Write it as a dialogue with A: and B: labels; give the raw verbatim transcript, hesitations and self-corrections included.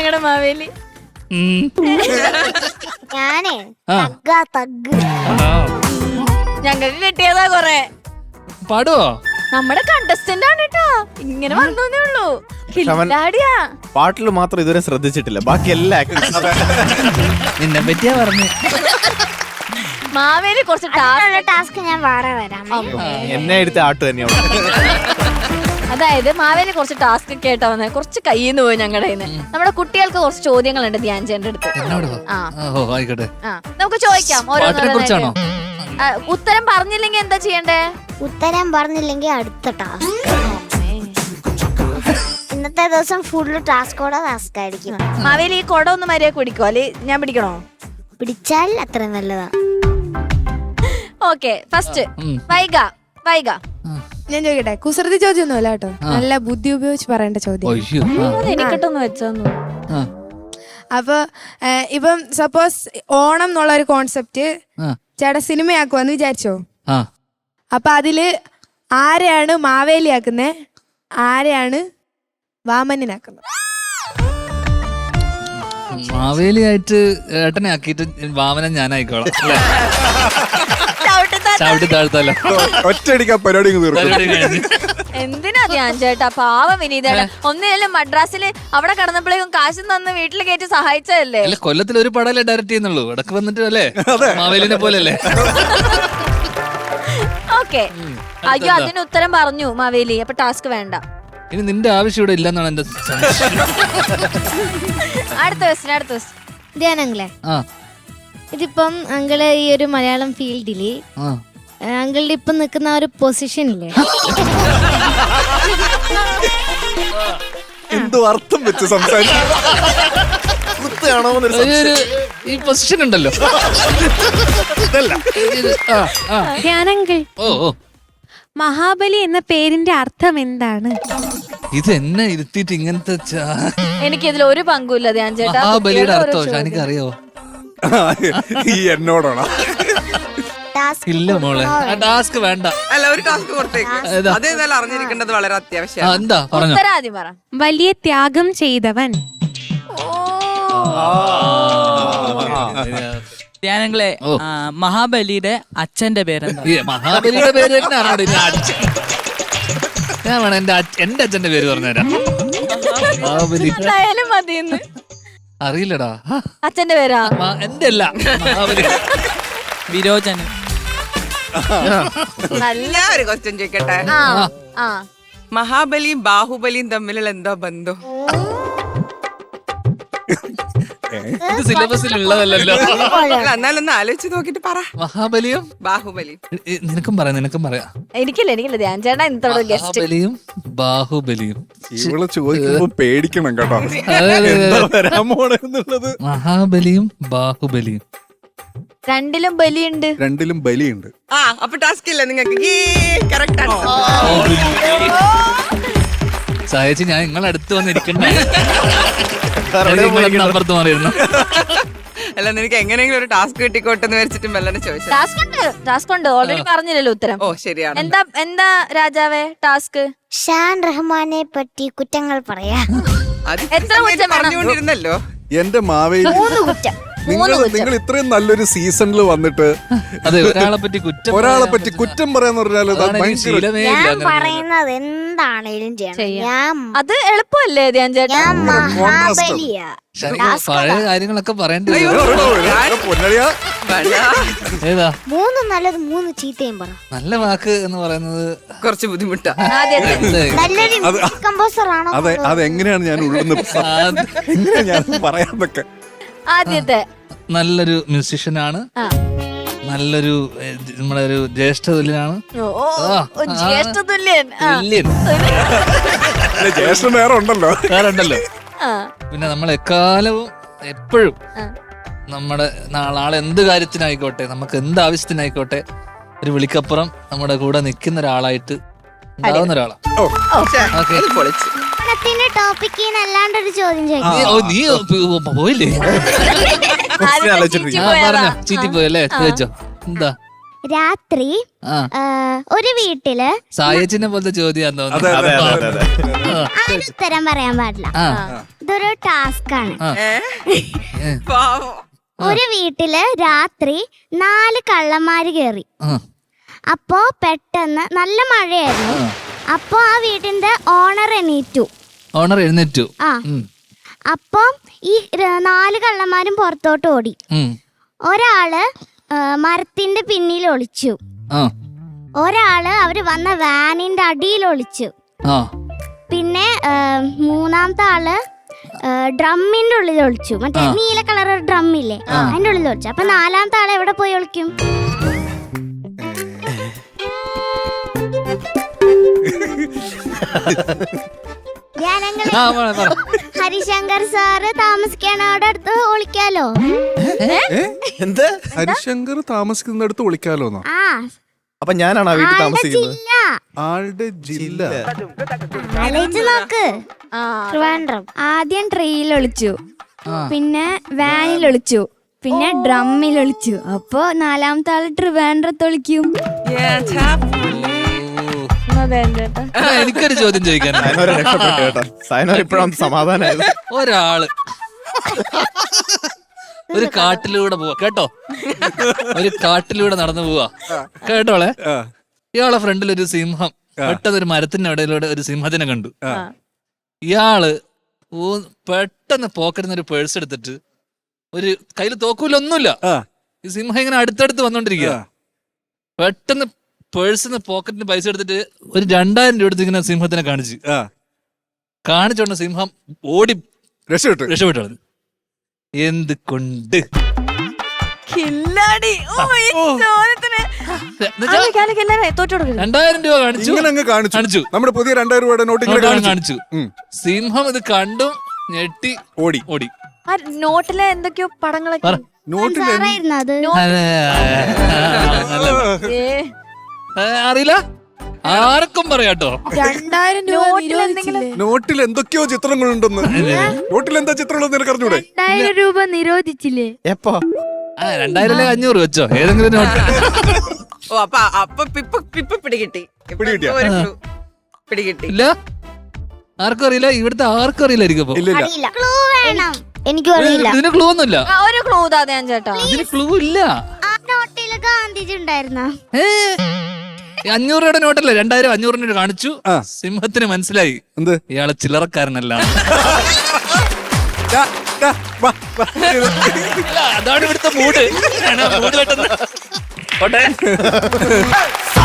A: ഞങ്ങളുടെ മാവേലി?
B: ഞാനേ തഗ്
A: ഞങ്ങൾക്ക് കിട്ടിയതാ കൊറേ.
C: പാടുവോ?
A: നമ്മുടെ കണ്ടസ്റ്റന്റ് ആണ് കേട്ടോ, ഇങ്ങനെ വന്നേ ഉള്ളൂ.
D: പാട്ടിൽ മാത്രം ഇതുവരെ ശ്രദ്ധിച്ചിട്ടില്ല, ബാക്കി എല്ലാ
C: നിന്നെ പറ്റിയാ പറഞ്ഞു.
A: മാവേലി കുറച്ച്
B: ടാസ്ക് ഞാൻ വേറെ വരാം.
D: എന്നെ എടുത്ത ആട്ട് തന്നെയാണ്.
A: അതായത് മാവേലി കുറച്ച് ടാസ്ക് കേട്ടാ വന്നേ, കുറച്ച് കയ്യിന്ന് പോയി ഞങ്ങളുടെ നമ്മുടെ കുട്ടികൾക്ക് കുറച്ച് ചോദ്യങ്ങളുണ്ട് ധ്യാൻ ചേട്ടന്റെ അടുത്ത്.
C: ആയിക്കോട്ടെ,
A: ആ നമുക്ക് ചോദിക്കാം.
C: കുറിച്ചാണോ?
A: ഉത്തരം പറഞ്ഞില്ലെങ്കിൽ എന്താ ചെയ്യണ്ടേ?
B: ഉത്തരം പറഞ്ഞില്ലെങ്കിൽ അടുത്ത ടാസ്ക്. ഇന്നത്തെ ദിവസം ഫുള്ള് ടാസ്കോടെ ടാസ്ക് ആയിരിക്കും.
A: മാവേലി ഈ കൊട ഒന്ന് മര്യാദ പിടിക്കോ, അല്ലെ ഞാൻ പിടിക്കണോ?
B: പിടിച്ചാൽ അത്ര നല്ലതാ.
A: Okay, first Vaiga. വൈഗ
E: ഞാൻ ചോദിക്കട്ടെ? കുസൃതി ചോദ്യമൊന്നുമല്ല കേട്ടോ, നല്ല ബുദ്ധി ഉപയോഗിച്ച് പറയേണ്ട ചോദ്യം.
A: എനിക്കിട്ടൊന്ന് വെച്ചോ.
E: അപ്പൊ ഇപ്പം സപ്പോസ് ഓണം എന്നുള്ള ഒരു കോൺസെപ്റ്റ് ചേട്ടാ സിനിമയാക്കുവാന്ന് വിചാരിച്ചോ? അപ്പൊ അതില് ആരെയാണ് മാവേലിയാക്കുന്നേ, ആരെയാണ് വാമനനാക്കുന്നത്?
C: മാവേലിയായിട്ട് ഏട്ടനെ ആക്കിയിട്ട് വാമനൻ ഞാനായിക്കോളാം. ചവിട്ടി താഴ്ത്തല്ലോ,
D: ഒറ്റയടിക്കാ പരിപാടി.
A: എന്തിനാ ധ്യാൻ ചേട്ടാ, പാവ വിനീതേട്ടാ. ഒന്നിനല്ലേ മദ്രാസില് അവിടെ കടന്നപ്പോഴേക്കും കാശ് തന്ന് വീട്ടിൽ കയറ്റി സഹായിച്ചതല്ലേ.
C: അല്ല, കൊല്ലത്തിൽ ഒരു പടമല്ലേ ഡയറക്റ്റ് ചെയ്യുന്നുള്ളൂ, ഇടക്ക് വന്നിട്ട് അല്ലേ മാവേലിനെ പോലെ അല്ലേ.
A: ഓക്കെ, അയ്യോ അതിന് ഉത്തരം പറഞ്ഞു മാവേലി, അപ്പൊ ടാസ്ക് വേണ്ട.
C: ഇനി നിന്റെ ആവശ്യം ഇവിടെ ഇല്ലെന്നാണ് എന്റെ
A: അടുത്ത ക്വസ്റ്റ്യൻ. അടുത്ത ക്വസ്റ്റ്യൻ
B: ധ്യാനങ്ങളെ, ഇതിപ്പം അങ്കിള് ഈ ഒരു മലയാളം ഫീൽഡില് അങ്കിളുടെ ഇപ്പൊ നിൽക്കുന്ന ഒരു പൊസിഷൻ ഇല്ലേ,
D: എന്തോ അർത്ഥം വെച്ച് സംസാരിക്കും.
C: ഈ പൊസിഷൻ ഉണ്ടല്ലോ.
F: ധ്യാനങ്കിൾ,
C: ഓ ഓ
F: മഹാബലി എന്ന പേരിന്റെ അർത്ഥം എന്താണ്?
C: ഇത് എന്നെ ഇരുത്തിയിട്ട് ഇങ്ങനത്തെ
A: എനിക്ക് ഇതിൽ ഒരു പങ്കുമില്ല ധ്യാൻ ചേട്ടാ.
C: മഹാബലിയുടെ അർത്ഥം എനിക്ക് അറിയാവോ?
D: ഈ എന്നോടാണോ?
C: ഇല്ല മോളെ, ടാസ്ക് വേണ്ട.
G: അല്ല, ഒരു ടാസ്ക് കൊടുത്തേക്ക്. അതേതായാലും അറിഞ്ഞിരിക്കേണ്ടത് വളരെ അത്യാവശ്യം.
C: എന്താ പറഞ്ഞു?
A: പറ.
F: വലിയ ത്യാഗം ചെയ്തവൻ.
H: ധ്യാനങ്ങളെ, മഹാബലിയുടെ അച്ഛന്റെ പേരെന്താ?
C: മഹാബലിയുടെ പേര് തന്നെ അറിയണ്ട. ഞാൻ വേണം എന്റെ എന്റെ അച്ഛന്റെ പേര് പറഞ്ഞുതരാം. മഹാബലി അറിയില്ലടാ.
A: അച്ഛന്റെ പേരാ?
C: എന്റെ അല്ല, മഹാബലി.
H: വിരോചനം.
G: നല്ല ഒരു ക്വസ്റ്റ്യൻ ചോദിക്കട്ടെ? മഹാബലിയും ബാഹുബലിയും തമ്മിലുള്ള എന്താ ബന്ധം?
C: ഇത് സിലബസിൽ ഉള്ളതല്ലോ.
G: എന്നാലൊന്ന് ആലോചിച്ച് നോക്കിട്ട് പറ.
C: മഹാബലിയും
G: ബാഹുബലിയും.
C: നിനക്കും പറയാം, നിനക്കും പറയാം.
A: എനിക്കില്ല, എനിക്കില്ല. ധ്യാൻ ചേട്ടാ ഇന്നത്തോടെ ഗസ്റ്റ്.
C: മഹാബലിയും ബാഹുബലിയും.
D: ഇവള് ചോദിക്കുമ്പോ പേടിക്കണം കേട്ടോ, വരാമോണെന്നുള്ളത്.
C: മഹാബലിയും ബാഹുബലിയും
A: രണ്ടിലും ബലിയുണ്ട്.
D: രണ്ടിലും ബലിയുണ്ട്.
G: ആ, അപ്പൊ ടാസ്ക് ഇല്ല നിങ്ങൾക്ക്.
C: സഹായിച്ച് ഞാൻ നിങ്ങളെ അടുത്ത് വന്നിരിക്കണ്ടേ? അപ്പുറത്ത് മാറിയിരുന്നു.
G: അല്ല, നിനക്ക് എങ്ങനെയെങ്കിലും ഒരു ടാസ്ക് കിട്ടിക്കോട്ടെ എന്ന് വെച്ചിട്ട് മെല്ലനെ ചോദിച്ചു.
A: ടാസ്ക് ഉണ്ട്, ടാസ്ക് ഉണ്ട്. ഓൾറെഡി പറഞ്ഞില്ലല്ലോ ഉത്തരം.
G: ഓ ശരിയാണ്.
A: എന്താ എന്താ രാജാവേ ടാസ്ക്?
B: ഷാൻ റഹ്മാനെ പറ്റി കുറ്റങ്ങൾ പറയാ.
A: എത്ര കുറ്റം
G: പറഞ്ഞുകൊണ്ടിരുന്നല്ലോ.
D: എന്റെ മാവേലി,
B: മൂന്ന് കുറ്റം.
D: നിങ്ങൾ നിങ്ങൾ ഇത്രയും നല്ലൊരു സീസണിൽ വന്നിട്ട്
C: അതെ ഒരാളെ പറ്റി കുറ്റം
D: ഒരാളെ പറ്റി കുറ്റം പറയാന്ന് പറഞ്ഞാല്
B: ഞാൻ പറയുന്നത് എന്താണേലും ചെയ്യണം.
A: അത് എളുപ്പമല്ലേ ധ്യാൻ ചേട്ടാ?
B: ഞാൻ മഹാബലിയാ.
C: പഴയ കാര്യങ്ങളൊക്കെ പറയേണ്ടി ഏതാ
B: മൂന്ന് നല്ലത് മൂന്ന് ചീത്തയും പറ.
C: നല്ല വാക്ക് എന്ന് പറയുന്നത്
G: കുറച്ച് ബുദ്ധിമുട്ടാ.
B: നല്ലൊരു കമ്പോസർ ആണോ?
D: അതെ, അതെങ്ങനെയാണ് ഞാൻ ഉള്ളുന്ന് എങ്ങനെയാ ഞാൻ പറയാന്നൊക്കെ.
A: ആദ്യത്തെ
C: നല്ലൊരു മ്യൂസിഷ്യനാണ്, നല്ലൊരു നമ്മുടെ ഒരു ജ്യേഷ്ഠ തുല്യനാണ്.
A: ജ്യേഷ്ഠ തുല്യൻ.
D: ജ്യേഷ്ഠൻ വേറെ ഉണ്ടല്ലോ,
C: വേറെ ഉണ്ടല്ലോ. പിന്നെ നമ്മൾ എക്കാലവും എപ്പോഴും നമ്മുടെ നാളെ എന്ത് കാര്യത്തിനായിക്കോട്ടെ, നമുക്ക് എന്ത് ആവശ്യത്തിനായിക്കോട്ടെ, ഒരു വിളിക്കപ്പുറം നമ്മുടെ കൂടെ നിൽക്കുന്ന ഒരാളായിട്ട് ഉണ്ടാവുന്ന ഒരാളാണ്.
B: അല്ലാണ്ടൊരു ചോദ്യം
C: നീ പോയില്ലേ? പറഞ്ഞോ, ചീറ്റി പോയല്ലേ? ചോദിച്ചോ. എന്താ?
B: രാത്രി
C: ആ
B: ആ, ഒരു വീട്ടില്
C: സായച്ചിനെ പോലത്തെ ചോദ്യം
D: അതെ അതെ അതെ അതെ അതെ
B: അതിന് ഉത്തരം പറയാൻ പാടില്ല.
C: ആ
B: ഇതൊരു ടാസ്ക് ആണ്.
C: ഏ,
G: പാവം.
B: ഒരു വീട്ടില് രാത്രി നാല് കള്ളന്മാര് കേറി.
C: ആ,
B: അപ്പോ പെട്ടെന്ന് നല്ല മഴയായിരുന്നു. അപ്പോ ആ വീടിന്റെ ഓണർ എണീറ്റു.
C: ഓണർ എഴുന്നേറ്റു.
B: ആ
C: ഉം,
B: അപ്പൊ ഈ ര- നാല് കള്ളന്മാരും പുറത്തോട്ട് ഓടി.
C: ഉം,
B: ഒരാള് ആ, മരത്തിന്റെ പിന്നിൽ ഒളിച്ചു.
C: ആ
B: ഒരാള് അവര് വന്ന വാനിന്റെ അടിയിൽ ഒളിച്ചു.
C: ആ
B: പിന്നെ ആ, മൂന്നാമത്തെ ആള് ആ, ഡ്രമ്മിന്റെ ഉള്ളിൽ ഒളിച്ചു. മറ്റേ
C: ആ.
B: നീല കളർ ഡ്രം ഇല്ലേ, അതിന്റെ ഉള്ളിൽ ഒളിച്ചു. അപ്പൊ നാലാമത്തെ ആള് എവിടെ പോയി ഒളിക്കും? ഞാനങ്ങളെ
C: ആ, പറ, പറ.
B: ഹരിശങ്കർ സാറ് താമസിക്കണ അവിടെ അടുത്ത് ഒളിക്കാലോ.
I: എന്ത്?
D: ഹരിശങ്കർ താമസിക്കുന്നിടത്ത് വിളിക്കാലോന്നോ?
B: ആ
I: അപ്പൊ ഞാനാണ് ആ വീട്ടിൽ
B: ആളുടെ
I: താമസിക്കുന്നത്.
B: ജില്ല
D: ആളുടെ ജില്ല
B: ആലോചിച്ച് നോക്ക്.
A: ആ
B: ട്രിവാൻഡ്രം.
E: ആദ്യം ട്രെയിൽ ഒളിച്ചു,
C: ആ.
E: പിന്നെ വാനിൽ ഒളിച്ചു, പിന്നെ ഡ്രമ്മിൽ ഒളിച്ചു. അപ്പൊ നാലാമത്തെ ആള് ട്രിവാൻഡ്രത്ത് ഒളിക്കും.
G: ഏട്ടാ,
A: അതെ ചേട്ടാ.
C: ആ, എനിക്കൊരു ചോദ്യം ചോദിക്കാനുണ്ട്.
I: സൈനോരെ രക്ഷപ്പെട്ടു കേട്ടോ. സൈനോർ ഇപ്പോഴാണ് സമാധാനമായത്.
C: ഒരാള് ഒരു കാട്ടിലൂടെ പോവാ കേട്ടോ, ഒരു കാട്ടിലൂടെ നടന്നു പോവാ കേട്ടോളെ. ഇയാളെ ഫ്രണ്ടിൽ ഒരു സിംഹം, പെട്ടെന്ന് ഒരു മരത്തിന്റെ ഇടയിലൂടെ ഒരു സിംഹത്തിനെ കണ്ടു. ഇയാള് ഊ- പെട്ടെന്ന് പോക്കറ്റിൽ നിന്ന് ഒരു പേഴ്സ് എടുത്തിട്ട്, ഒരു കയ്യിൽ തോക്കൂല ഒന്നുമില്ല, ഈ സിംഹം ഇങ്ങനെ അടുത്തടുത്ത് വന്നോണ്ടിരിക്കുക. പെട്ടെന്ന് പേഴ്സിന്ന് പോക്കറ്റിന് പൈസ എടുത്തിട്ട് ഒരു രണ്ടായിരം രൂപ എടുത്ത് ഇങ്ങനെ സിംഹത്തിനെ കാണിച്ചു. കാണിച്ചോണ്ട് സിംഹം ഓടി
D: രക്ഷപ്പെട്ടു
C: രക്ഷപ്പെട്ടു. എന്ത് കൊണ്ട്
A: കില്ലാടി. ഓ, ഈ ചോദ്യത്തിന്
C: എന്നുവെച്ചാ
A: ആലോചിക്ക്, ആലോചിക്ക്, എല്ലാവരും തോറ്റു കൊടുക്കരുത്.
C: രണ്ടായിരം രൂപ കാണിച്ചു,
D: ഇങ്ങനെ അങ്ങ് കാണിച്ചു
C: കാണിച്ചു.
D: നമ്മുടെ പുതിയ രണ്ടായിരം രൂപയുടെ നോട്ട് ഇങ്ങനെ
C: നോട്ടാണ്
D: കാണിച്ചു
C: കാണിച്ചു.
D: ഉം.
C: സിംഹം ഇത് കണ്ടും ഞെട്ടി
D: ഓടി
C: ഓടി.
A: ആ നോട്ടിലെ എന്തൊക്കെയോ പടങ്ങളൊക്കെ.
C: പറ.
D: നോട്ടിൽ എന്ത്-
B: സാറായിരുന്നു അത്.
C: അതെ, നല്ല-
A: ഏ,
C: ഏ, അറിയില്ല, ആർക്കും പറയാട്ടോ.
E: രണ്ടായിരം രൂപ
A: നോട്ടിൽ എന്തെങ്കിലും
E: നിരോധിച്ചില്ലേ?
D: നോട്ടിൽ എന്തൊക്കെയോ ചിത്രങ്ങളുണ്ടെന്ന്. നോട്ടിൽ എന്താ ചിത്രമുള്ളത് നിനക്ക് അറിഞ്ഞൂടെ?
E: രണ്ടായിരം രൂപ നിരോധിച്ചില്ലേ?
I: എപ്പോ?
C: ആ രണ്ടായിരം അല്ലെ അഞ്ഞൂറ് വെച്ചോ ഏതെങ്കിലും നോട്ട്.
G: ഓ അപ്പൊ അപ്പൊ പിപ്പ പിപ്പ പിടികിട്ടി. ഇപ്പൊ
D: പിടികിട്ടിയോ?
G: ഒരു clue. പിടികിട്ടി.
C: ഇല്ല, ആർക്കും അറിയില്ല, ഇവിടുത്തെ ആർക്കും അറിയില്ലായിരിക്കും. അപ്പൊ
D: ഇല്ല ഇല്ല
B: അറിയില്ല. ക്ലൂ വേണം. എനിക്കും അറിയില്ല.
C: ഇതിന് ക്ലൂ ഒന്നുമില്ല,
A: ആ, ഒരു ക്ലൂ താ ഞാൻ ചേട്ടാ.
C: ഇതിന് ക്ലൂ ഇല്ല.
B: ആ നോട്ടില് ഗാന്ധിജി ഉണ്ടായിരുന്ന.
C: ഏ, ഈ അഞ്ഞൂറ് രൂപയുടെ നോട്ടല്ലേ, രണ്ടായിരം അഞ്ഞൂറിന് കാണിച്ചു.
D: ആ.
C: സിംഹത്തിന് മനസ്സിലായി
D: എന്ത്?
C: ഇയാളെ ചില്ലറക്കാരനല്ല.
D: ദാ, ദാ, വാ, വാ.
C: അതാണ് ഇവിടുത്തെ മൂഡ്. മൂഡ് പെട്ടെന്ന്. പോട്ടെ.